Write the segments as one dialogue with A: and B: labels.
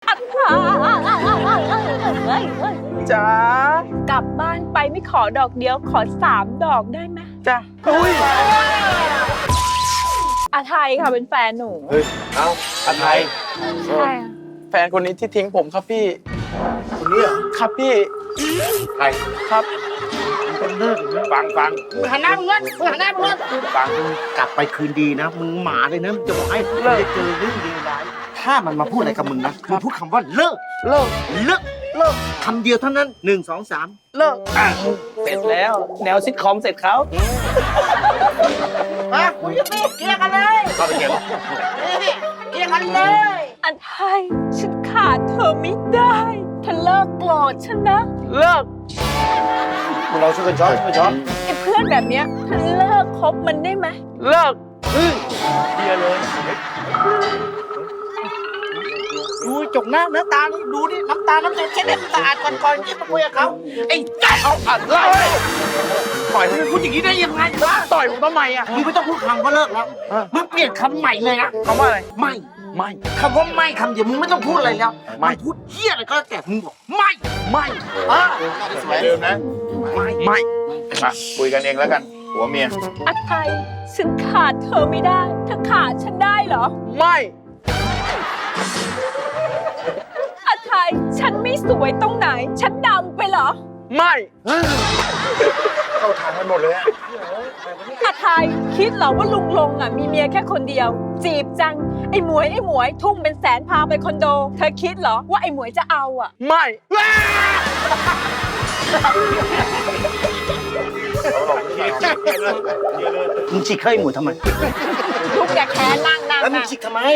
A: จ๋ากลับบ้านไปไม่ขอดอกเดียวขอ3 ดอกได้ไหมจ้ะอุ้ยอาไทยค่ะเป็นแฟนหนู
B: เฮ้ย เอาอาไทย
A: ใช่ค่ะ
C: แฟนคนนี้ที่ทิ้งผมครับพี่
B: คนนี้เหรอ
C: ครับพี่
B: ใคร
C: ครับ
B: ฟัง
D: มึงหันหน้ามึงเงิน
B: ฟัง
D: กลับไปคืนดีนะ มึงหมาเลยนะมึงจะบอกให้เลิกเจอเรื่องเลวร้ายถ้ามันมาพูดอะไรกับมึงนะมึงพูดคำว่าเลิก
C: เลิก
D: เลิกคำเดียวเท่านั้น1 2 3
C: เลิกเสร็จแล้ว แนวซิทคอมเสร็จเขา
D: มาคุยกันสิเคลียร์กันเลย
B: เข้าไปเก็บ
D: เคลียร์กันเลย
A: อาไทยฉันขาดเธอไม่ได้เธอเลิกโกรธฉันนะ
C: เลิก
B: มึงลองช่วยกันช้อน
A: ไอ้เพื่อนแบบเนี้ยเธอเลิกคบมันได้ไหม
C: เลิกเดียเลย
D: ดูจกหน้าตานี่ดูนี่น้ำตาน้ำใจเช็ดให้สะอาดก่อนที่มาคุยกับเขาไอ้จ้า
C: เอาอะไรต่อย
D: มึงพูดอย่างนี้ได้ยังไงวะ
C: ต่อยผมทำไมอ่ะ
D: มึงไม่ต้องพูดคำว่าเลิกแล้วมึงเปลี่ยนคำใหม่เลยนะ
C: คำว่าอะไร
D: ไม่
C: ไม่
D: คำว่าไม่คำเดียวมึงไม่ต้องพูดอะไรแล้ว
C: ไม่
D: งพูดเหี้ยอะไรก็แล้วแต่มึงบอกไม่
C: ไม่
D: เออ
B: สมัยเดิมนะ
D: ไม่
C: ไม่
B: มาคุยกันเองแล้วกันผัวเมีย
A: อาไทยฉันขาดเธอไม่ได้เธอขาดฉันได้เหรอ
C: ไม่
A: อาไทยฉันไม่สวยตรงไหน ฉันดำไปเหรอ
C: ไม่
B: เข้าทางกันหมดเลยอะ
A: อาไทยคิดเหรอว่าลุงลงอ่ะมีเมียแค่คนเดียว จีบจังไอ้หมวยทุ่มเป็นแสนพาไปคอนโด เธอคิดเหรอว่าไอ้หมวยจะเอาอ่ะ
C: ไม่
B: เขาหลอกพี่เลย
D: มึงฉีกเข้าไอ้หมูทำไม
A: ลุงอย่าแค้นนั่ง
D: แล้วมึงฉีกทำไม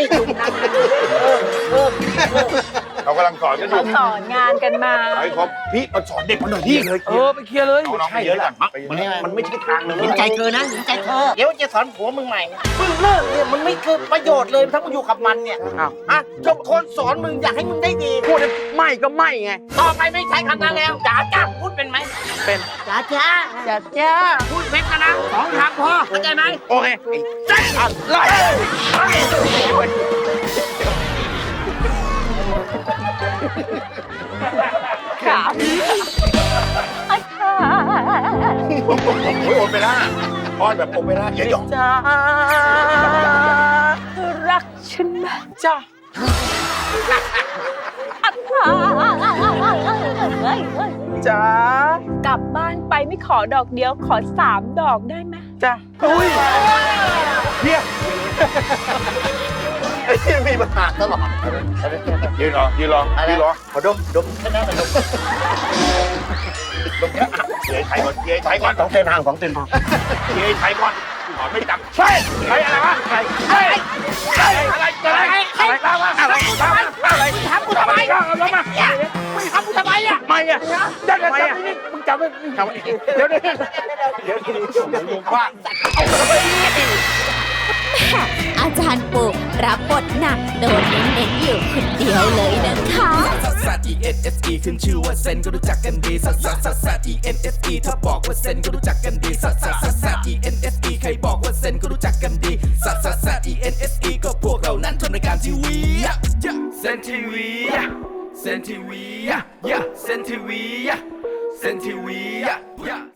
B: เขากำลังสอนกันอ
A: เขา
B: ยู่
A: สอนงานกันมา
B: ไอ้ครบพี่มาสอนเด็กมาหน่อยพี่เลย
C: ไปเคลียร์เลย
B: เอาน้องไปเยอะก่อนมันไม่ใช่ทางเลย
D: เห็นใจเธอนะเห็นใจเธอ เดี๋ยวจะสอนผัวมึงใหม่มึงเลิกเนี่ยมันไม่เกิดประโยชน์เลยถ้ามึงอยู่กับมันเนี่ย
C: อ้าว
D: อ่ะจบคนสอนมึงอยากให้มึงได้ดี
C: พูดไม่ก็ไม่ไง
D: ต่อไปไม่ใช้คำนั้นแล้วจ๋าจ้าพูดเป็นไหม
C: เป็น
D: จ๋าจ้า
C: จัดจ้า
D: พูดเป็นกันนะ2 คำพอเข้าใจไหม
C: โอเคอะไร
A: ขาอาไทย
B: โอ้ยโอเปร่าอ้อนแบบโอเปร่าเยอะหยอง
C: จ้า
A: เธอรักฉันไหม
C: จ้า
A: อาไทย
C: จ้าก
A: ลับบ้านไปไม่ขอดอกเดียวขอ3 ดอกได้ไหม
C: จ้าอุ้ย
B: เนี่ยไอ้ที่มีปัญหาตลอดยืนรอขอดมแค่นั้นเลยดมเย้ไทยก่อนเย้ไทยก่อน
D: 2 เส้นทาง2 เส้นทาง
B: เย้ไทยก่อนขอไม่จับใช่ใครอะไรวะใครอะไรตามมาอะไร
D: ทำกูทำไม
B: เอาลงมา
D: มึงทำกูทำไมอ่ะ
C: ไม่อะ
B: จับไม่มึงจับไม่เดี๋ยวลุงว่า
E: อาจารย์ปู่รับบทหนักโดนเน้นๆอยู่คนเดียวเลยนะคะ
F: ซัสซัส E N S E ขึ้นชื่อว่าเซนก็รู้จักกันดีซัสซัสซัสซัส E N S E ถ้าบอกว่าเซนก็รู้จักกันดีซัสซัสซัสซัส E N S E ใครบอกว่าเซนก็รู้จักกันดีซัสซัสซัส E N S E ก็พวกเรานั้นทำรายการทีวีเซนทีวีเซนทีวีเซนทีวี